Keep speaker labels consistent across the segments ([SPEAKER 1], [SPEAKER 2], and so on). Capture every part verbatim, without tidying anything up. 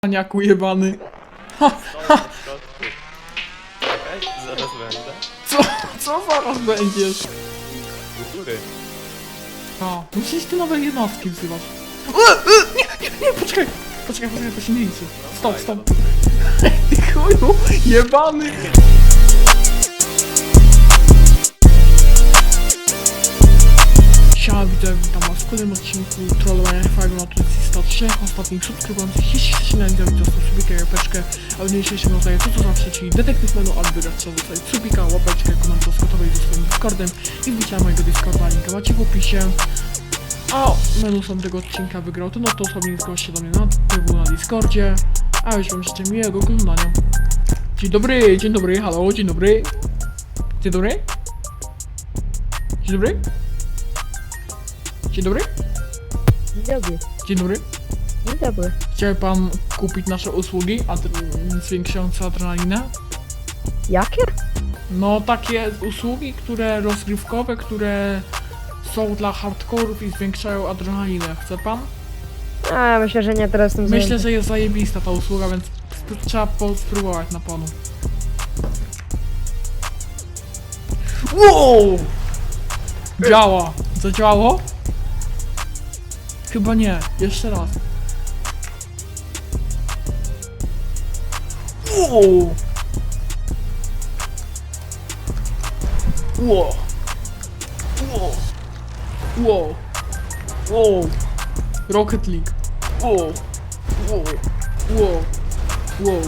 [SPEAKER 1] Paniaku jebany.
[SPEAKER 2] Czekaj, zaraz będę.
[SPEAKER 1] Co? Co zaraz będziesz?
[SPEAKER 2] Do góry.
[SPEAKER 1] A, musisz ty nowe jednostki wzywać. E, e, nie, nie, nie, poczekaj. Poczekaj, poczekaj, to się nie liczy. Stop, stop. Ty chuju, jebany. Siema, witam, witam was w kolejnym odcinku trollowania Five Nights sto trzy ostatnich subskrybujących. Jeśli chcecie na widzieć, to subika, łapeczkę, a w dzisiejszym rozdaję to co zawsze, czyli detektyw menu, aby wygrać trzeba zostawić subika, łapeczkę, komentarz gotowej ze swoim Discordem i wbicia mojego Discorda, linka macie w opisie. A menu sam tego odcinka wygrał, to no to osobnik zgłosi się do mnie na tyłu na Discordzie, a już wam życzę miłego oglądania. Dzień dobry, dzień dobry, halo, dzień dobry. Dzień dobry. Dzień dobry. Dzień dobry.
[SPEAKER 3] Dzień dobry.
[SPEAKER 1] Dzień dobry.
[SPEAKER 3] Dzień dobry.
[SPEAKER 1] Chciałby pan kupić nasze usługi adre- zwiększające adrenalinę?
[SPEAKER 3] Jakie?
[SPEAKER 1] No takie usługi, które rozgrywkowe, które są dla hardkorów i zwiększają adrenalinę. Chce pan?
[SPEAKER 3] A, myślę, że nie, teraz jestem
[SPEAKER 1] Myślę,
[SPEAKER 3] zajęty.
[SPEAKER 1] że jest zajebista ta usługa, więc sp- trzeba po- spróbować na panu. Wow! Działa! Zadziałało? Chyba nie. Jeszcze raz. Wow! Wow! Wow! Wow! Wow! Rocket League! Wow! Wow! Wow! Wow!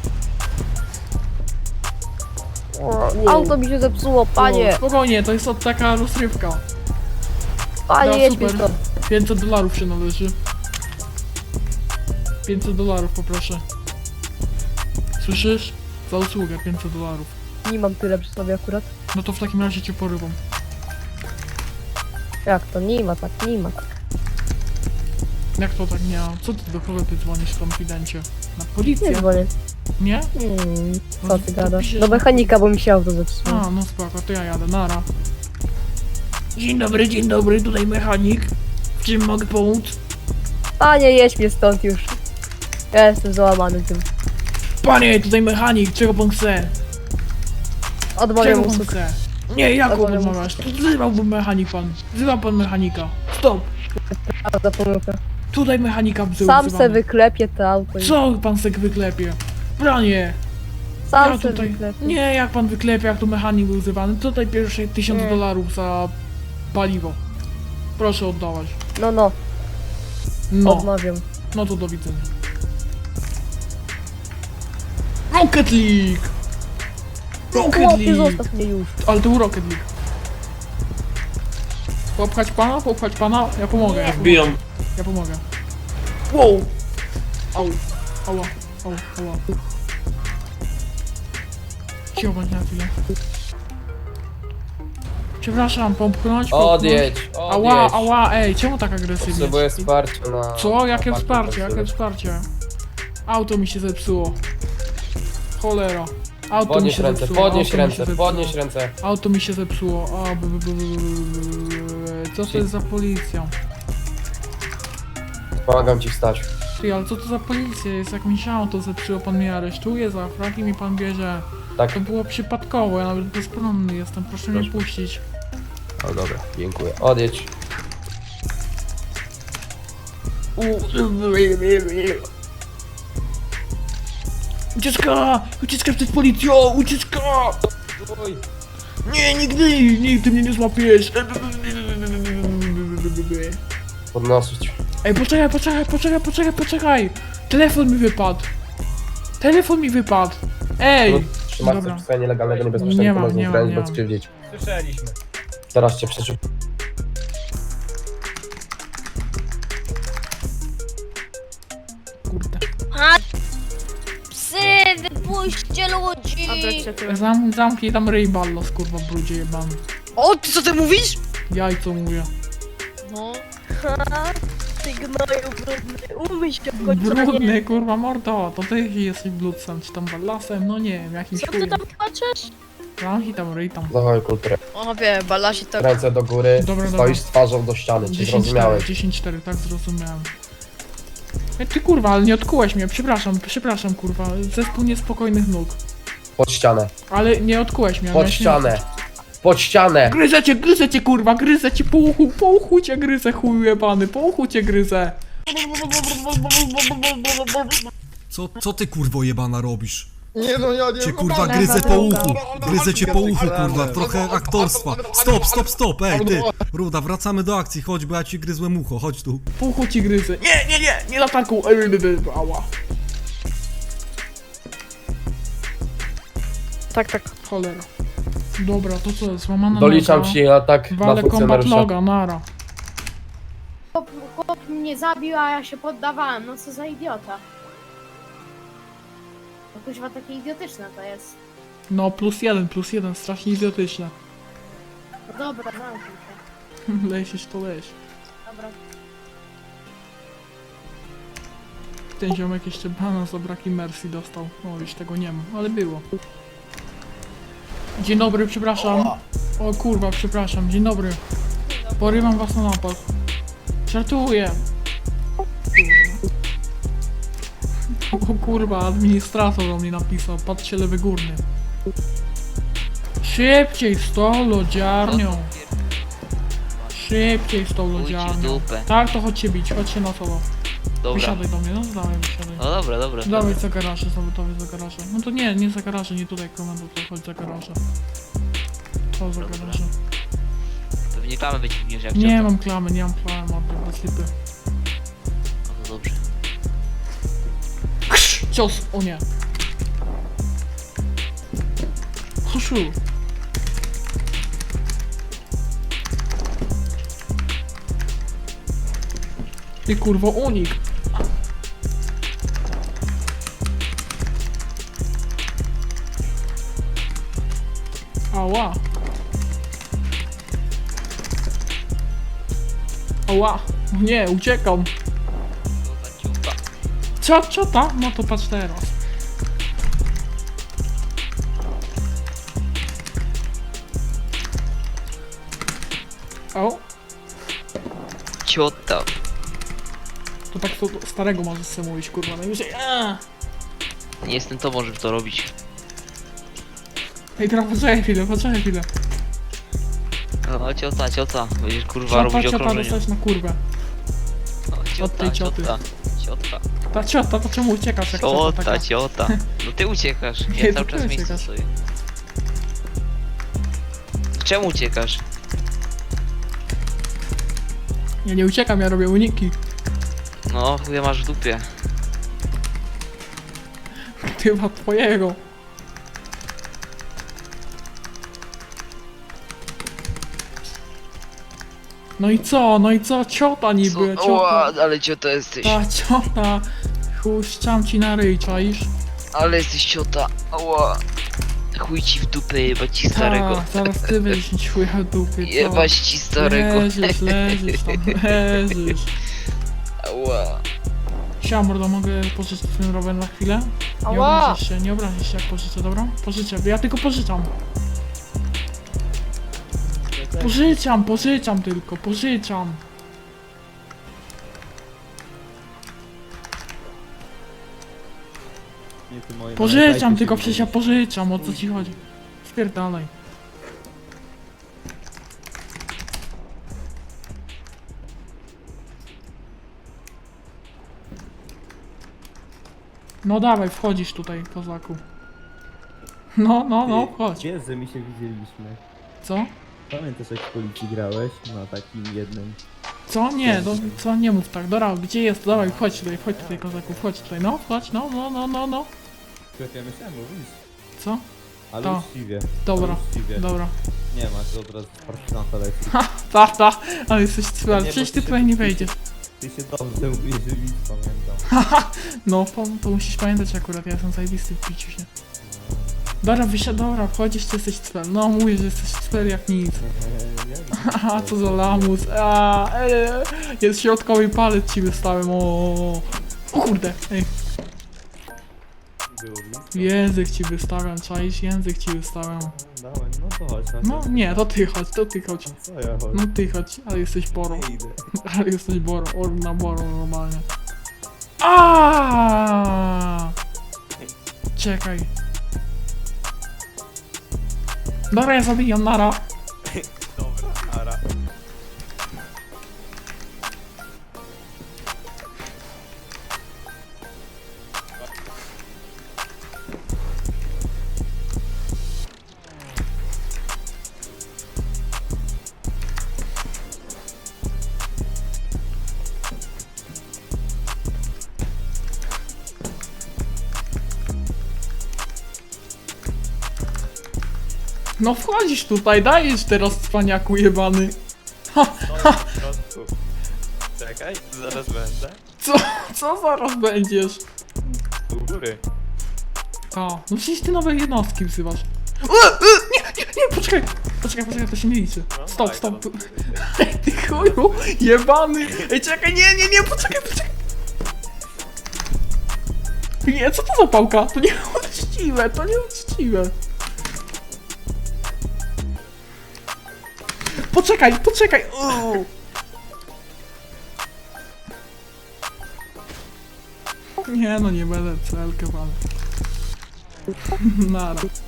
[SPEAKER 3] O,
[SPEAKER 1] Wow.
[SPEAKER 3] auto mi się zepsuło, panie!
[SPEAKER 1] Wow. Spokojnie, to jest od taka rozrywka.
[SPEAKER 3] Panie,
[SPEAKER 1] Da,
[SPEAKER 3] jedź mi
[SPEAKER 1] super.
[SPEAKER 3] stąd.
[SPEAKER 1] pięćset dolarów się należy. pięćset dolarów poproszę. Słyszysz? Za usługę pięćset dolarów.
[SPEAKER 3] Nie mam tyle przy sobie akurat.
[SPEAKER 1] No to w takim razie cię porywam.
[SPEAKER 3] Jak to? Nie ma tak, nie ma tak.
[SPEAKER 1] Jak to tak nie ma? Co ty do kogo ty dzwonisz w konfidencie? Na
[SPEAKER 3] Nie
[SPEAKER 1] policję?
[SPEAKER 3] dzwonię.
[SPEAKER 1] Nie?
[SPEAKER 3] Hmm,
[SPEAKER 1] No
[SPEAKER 3] co
[SPEAKER 1] to
[SPEAKER 3] ty gadasz?
[SPEAKER 1] piszesz,
[SPEAKER 3] Do
[SPEAKER 1] że-
[SPEAKER 3] mechanika, bo mi się auto zepsuło.
[SPEAKER 1] A, no spoko, to ja jadę, nara. Dzień dobry, dzień dobry, tutaj mechanik. W czym mogę pomóc?
[SPEAKER 3] Panie, jedź mnie stąd już. Ja jestem załamany tym.
[SPEAKER 1] Panie, tutaj mechanik, czego pan chce?
[SPEAKER 3] Odmawiam
[SPEAKER 1] Czego pan
[SPEAKER 3] usług.
[SPEAKER 1] chce? Nie, jaką
[SPEAKER 3] Odmawiam
[SPEAKER 1] odmawiasz? To wzywałbym mechanik pan. Wzywa pan mechanika. Stop!
[SPEAKER 3] A, za pomyłkę.
[SPEAKER 1] Tutaj mechanika wzył,
[SPEAKER 3] Sam
[SPEAKER 1] wzywamy.
[SPEAKER 3] se wyklepie to auto. i-
[SPEAKER 1] Co pan se wyklepie? Panie!
[SPEAKER 3] Sam
[SPEAKER 1] Ja
[SPEAKER 3] se
[SPEAKER 1] tutaj...
[SPEAKER 3] wyklepie.
[SPEAKER 1] Nie, jak pan wyklepie, jak tu mechanik był wzywany. Tutaj pierwsze tysiąc
[SPEAKER 3] Nie.
[SPEAKER 1] dolarów za paliwo. Proszę oddawać.
[SPEAKER 3] No, no,
[SPEAKER 1] No,
[SPEAKER 3] odmawiam.
[SPEAKER 1] no to do widzenia. Rocket League! Rocket
[SPEAKER 3] Chłopie,
[SPEAKER 1] League!
[SPEAKER 3] zostaw mnie już.
[SPEAKER 1] Ale to był Rocket League. Popchać pana? Popchać pana? Ja pomogę. Ja pomogę.
[SPEAKER 2] Biją.
[SPEAKER 1] Ja pomogę. Wow! Au. Ała. Au. Ała. Cicho bądź na chwilę. Przepraszam, popchnąć? popchnąć?
[SPEAKER 4] Odjedź,
[SPEAKER 1] Ała,
[SPEAKER 4] odjedź.
[SPEAKER 1] ała, ej, czemu tak agresywnie?
[SPEAKER 4] Potrzebuję wsparcia na...
[SPEAKER 1] Co? Jakie
[SPEAKER 4] na
[SPEAKER 1] wsparcie?
[SPEAKER 4] parku
[SPEAKER 1] Jakie wsparcie? Auto mi się zepsuło. Cholera. Auto mi
[SPEAKER 4] Podnieś
[SPEAKER 1] się
[SPEAKER 4] ręce,
[SPEAKER 1] zepsuło.
[SPEAKER 4] podnieś
[SPEAKER 1] auto mi się
[SPEAKER 4] ręce,
[SPEAKER 1] zepsuło.
[SPEAKER 4] podnieś ręce.
[SPEAKER 1] Auto mi się zepsuło. A, b, b, b, b, b, b. Co to jest za policja?
[SPEAKER 4] Pomagam ci wstać.
[SPEAKER 1] Ty, ale co to za policja jest? Jak mi się auto zepsuło, pan mnie aresztuje za fraki, mi pan bierze.
[SPEAKER 4] Tak?
[SPEAKER 1] To było przypadkowo, ja nawet bezbronny jestem, proszę mnie
[SPEAKER 4] Proszę.
[SPEAKER 1] puścić.
[SPEAKER 4] O dobra, dziękuję. Odjedź.
[SPEAKER 1] Ucieczka! Ucieczka przed policją! Ucieczka!
[SPEAKER 4] Oj.
[SPEAKER 1] Nie, nigdy! Nigdy mnie nie złapiesz!
[SPEAKER 4] Podnosić.
[SPEAKER 1] Ej, poczekaj, poczekaj, poczekaj, poczekaj, poczekaj! Telefon mi wypadł! Telefon mi wypadł! Ej!
[SPEAKER 4] No, Trzymasz
[SPEAKER 1] Dobra.
[SPEAKER 4] coś swoje nielegalnego,
[SPEAKER 1] Nie
[SPEAKER 4] niebezpiecznego,
[SPEAKER 1] mam,
[SPEAKER 4] można
[SPEAKER 1] nie mam,
[SPEAKER 4] zgrać,
[SPEAKER 1] nie
[SPEAKER 4] bo
[SPEAKER 1] mam.
[SPEAKER 4] skrzywdzić.
[SPEAKER 2] Słyszeliśmy.
[SPEAKER 4] Teraz cię przeszuk...
[SPEAKER 1] Kurde.
[SPEAKER 5] Psy, wypuśćcie ludzi!
[SPEAKER 1] Zam, zamknij tam ryj ballos, kurwa, brudzie jebany.
[SPEAKER 5] O, ty co ty mówisz?
[SPEAKER 1] Jajco mówię.
[SPEAKER 5] No. Ha, ty gnoju brudny, umyj się w końcu.
[SPEAKER 1] Brudny, kurwa, mordo, to ty jesteś bludcem, czy tam ballasem, no nie wiem, jakimś
[SPEAKER 5] Co ty
[SPEAKER 1] chujem.
[SPEAKER 5] tam patrzysz?
[SPEAKER 1] Zamknij tam ryj tam.
[SPEAKER 4] Zachowaj kulturę.
[SPEAKER 5] O wie, balasi to...
[SPEAKER 4] Ręce do góry,
[SPEAKER 1] Dobra,
[SPEAKER 4] stoisz
[SPEAKER 1] dobra.
[SPEAKER 4] twarzą do ściany, czy
[SPEAKER 1] dziesięć cztery,
[SPEAKER 4] zrozumiałeś?
[SPEAKER 1] dziesięć cztery, tak zrozumiałem. Ej, ty kurwa, ale nie odkułeś mnie, przepraszam, przepraszam kurwa, zespół niespokojnych nóg.
[SPEAKER 4] Pod ścianę.
[SPEAKER 1] Ale nie odkułeś mnie.
[SPEAKER 4] Pod
[SPEAKER 1] miałeś nie
[SPEAKER 4] ścianę.
[SPEAKER 1] odkuć.
[SPEAKER 4] Pod ścianę.
[SPEAKER 1] Gryzę cię, gryzę cię kurwa, gryzę cię po uchu, po uchu cię gryzę, chuj jebany, po uchu cię gryzę.
[SPEAKER 6] Co, co ty kurwo jebana robisz?
[SPEAKER 7] Nie no, ja nie
[SPEAKER 6] Cię kurwa gryzę po uchu, gryzę cię po uchu kurwa, trochę aktorstwa. Stop, stop, stop, ej ty! Ruda, wracamy do akcji, chodź, bo ja ci gryzłem ucho, chodź tu.
[SPEAKER 1] Po uchu ci gryzę. Nie, nie, nie, nie na taką. Ała.
[SPEAKER 3] Tak, tak.
[SPEAKER 1] Cholera. Dobra, to co, złamana
[SPEAKER 4] Doliczam
[SPEAKER 1] noga.
[SPEAKER 4] ci atak na
[SPEAKER 1] Wale combat
[SPEAKER 4] funkcjonariusza.
[SPEAKER 1] loga, nara.
[SPEAKER 8] Chłop, chłop mnie zabił, a ja się poddawałem. No co za idiota. No kuźwa takie idiotyczne to jest.
[SPEAKER 1] No, plus jeden, plus jeden, strasznie idiotyczne.
[SPEAKER 8] No dobra, zamknij się.
[SPEAKER 1] Lesisz to leś.
[SPEAKER 8] Dobra.
[SPEAKER 1] Ten ziomek jeszcze bana za braki Mercy dostał. O, już tego nie ma, ale było. Dzień dobry, przepraszam. O kurwa, przepraszam, dzień dobry. Porywam was na napad. Żartuję. Kurwa. O kurwa, administrator do mnie napisał. Patrzcie, lewy górny. Szybciej z tą lodziarnią. Szybciej z tą lodziarnią. Tak, to chodźcie bić, chodźcie na solo.
[SPEAKER 2] Dobra.
[SPEAKER 1] Wysiadaj do mnie, no dawaj, wysiadaj.
[SPEAKER 2] No dobra, dobra.
[SPEAKER 1] Dawaj za garaże, sabotowy za garaże. No to nie, nie za garaże, nie tutaj komando, to chodź za garaże. To za
[SPEAKER 2] Dobra.
[SPEAKER 1] garaże.
[SPEAKER 2] Pewnie klamy wyciągniesz jak
[SPEAKER 1] Nie
[SPEAKER 2] ciota.
[SPEAKER 1] mam klamy, nie mam klamy, mam bez lipy.
[SPEAKER 2] No to dobrze.
[SPEAKER 1] Krz, cios, o nie. Huszu. Ty kurwo, unik. Ała. Ała. Nie, uciekam.
[SPEAKER 2] Ciuta, ciuta.
[SPEAKER 1] Co, co ta? No to patrz teraz. O,
[SPEAKER 2] Ciota.
[SPEAKER 1] to tak to starego możesz sobie mówić, kurwa, najwyżej. Aaa.
[SPEAKER 2] Nie jestem tobą, żeby to robić.
[SPEAKER 1] Ej, teraz poczekaj chwilę, poczekaj chwilę.
[SPEAKER 2] No ciota, ciota. Będziesz kurwa
[SPEAKER 1] Ciota,
[SPEAKER 2] robić
[SPEAKER 1] ciota,
[SPEAKER 2] okrążenie.
[SPEAKER 1] dostać na kurwę.
[SPEAKER 2] No,
[SPEAKER 1] Od tej
[SPEAKER 2] ciota,
[SPEAKER 1] cioty.
[SPEAKER 2] ciota. Ciota.
[SPEAKER 1] Ta ciota, to czemu uciekasz jak ciota
[SPEAKER 2] Ciota,
[SPEAKER 1] taka?
[SPEAKER 2] ciota. No ty uciekasz.
[SPEAKER 1] Nie,
[SPEAKER 2] Ja
[SPEAKER 1] to
[SPEAKER 2] cały
[SPEAKER 1] ty
[SPEAKER 2] czas miejsce
[SPEAKER 1] uciekasz.
[SPEAKER 2] stoję. Czemu uciekasz?
[SPEAKER 1] Ja nie uciekam, ja robię uniki.
[SPEAKER 2] No, chuja masz w dupie.
[SPEAKER 1] Chyba twojego. No i co, no i co, ciota niby,
[SPEAKER 2] Co? Ła,
[SPEAKER 1] ciota.
[SPEAKER 2] ale ciota jesteś.
[SPEAKER 1] Ta ciota. Chuściam ci na ryj, czaisz?
[SPEAKER 2] Ale jesteś ciota. Ała. Chuj ci w dupę, jebać ci starego.
[SPEAKER 1] Ta, zaraz ty będziesz mieć chuja w dupy, co?
[SPEAKER 2] Jebać ci starego.
[SPEAKER 1] Leżysz, leżysz tam, leżysz.
[SPEAKER 2] Ała.
[SPEAKER 1] Siema mordo, mogę pożyczyć ten rower na chwilę? Nie
[SPEAKER 3] Ała!
[SPEAKER 1] obrazisz się, nie obrazisz się jak pożyczę, dobra? Pożyczę, ja tylko pożyczam. Pożyczam, pożyczam tylko, pożyczam. Pożyczam tylko, przecież ja pożyczam, o co ci chodzi? Spierdalaj. No dawaj, wchodzisz tutaj, kozaku. No, no, no, chodź.
[SPEAKER 7] Wiesz, że my się widzieliśmy.
[SPEAKER 1] Co?
[SPEAKER 7] Pamiętasz jak w policji grałeś? Na takim jednym.
[SPEAKER 1] Co? Nie, do, co? Nie mów tak. Dobra, gdzie jest? Dawaj, chodź tutaj, chodź tutaj, kozaku, chodź tutaj, no, chodź, no, no, no, no, no.
[SPEAKER 7] Jak ja myślałem, mówisz.
[SPEAKER 1] Co?
[SPEAKER 7] Ale
[SPEAKER 1] To.
[SPEAKER 7] uczciwie.
[SPEAKER 1] Dobra,
[SPEAKER 7] Ale uczciwie.
[SPEAKER 1] dobra.
[SPEAKER 7] Nie masz, od razu z partyzanta leci.
[SPEAKER 1] Ta, ta, ale jesteś cwel,
[SPEAKER 7] Nie,
[SPEAKER 1] przecież
[SPEAKER 7] bo
[SPEAKER 1] ty
[SPEAKER 7] ty
[SPEAKER 1] tutaj
[SPEAKER 7] się-
[SPEAKER 1] nie
[SPEAKER 7] ty się-
[SPEAKER 1] wejdziesz.
[SPEAKER 7] Ty się dobrze mówisz, że widz, pamiętam.
[SPEAKER 1] No, to, to musisz pamiętać akurat, ja jestem zajebisty w piciu się. Dobra, wysiad, dobra, wchodzisz, ty jesteś cwel. No, mówię, że jesteś cwel jak nic.
[SPEAKER 7] Eee, ja
[SPEAKER 1] Haha, co za lamus, a, e, jest środkowy palec ci wystałem, o, o kurde, ej,
[SPEAKER 7] było blisko.
[SPEAKER 1] język ci wystawiam, czaisz, język ci wystawiam.
[SPEAKER 7] Dawaj, no to chodź. na
[SPEAKER 1] No,
[SPEAKER 7] to.
[SPEAKER 1] nie, to ty chodź, to ty chodź,
[SPEAKER 7] Co ja chodź?
[SPEAKER 1] no ty chodź, ale jesteś boro,
[SPEAKER 7] Nie idę.
[SPEAKER 1] ale jesteś boro, orna boro normalnie. A! Czekaj. Dobra, ja zabijam, nara.
[SPEAKER 9] Dobra, ara.
[SPEAKER 1] No wchodzisz tutaj, dajesz teraz cwaniaku jebany.
[SPEAKER 9] No po prostu. Czekaj, zaraz będę.
[SPEAKER 1] Co, co zaraz będziesz?
[SPEAKER 9] U góry.
[SPEAKER 1] To, no przecież ty nowe jednostki wzywasz. E, e, nie, nie, nie, poczekaj. Poczekaj, poczekaj, to się nie liczy.
[SPEAKER 9] No,
[SPEAKER 1] Stop,
[SPEAKER 9] tak,
[SPEAKER 1] stop.
[SPEAKER 9] no.
[SPEAKER 1] Ej, ty chuju, jebany. Ej, czekaj, nie, nie, nie, poczekaj, poczekaj. Nie, co to za pałka? To nieuczciwe, to nieuczciwe. Poczekaj, poczekaj. Uuu. Nie no, nie będę celkę, ale... Nara.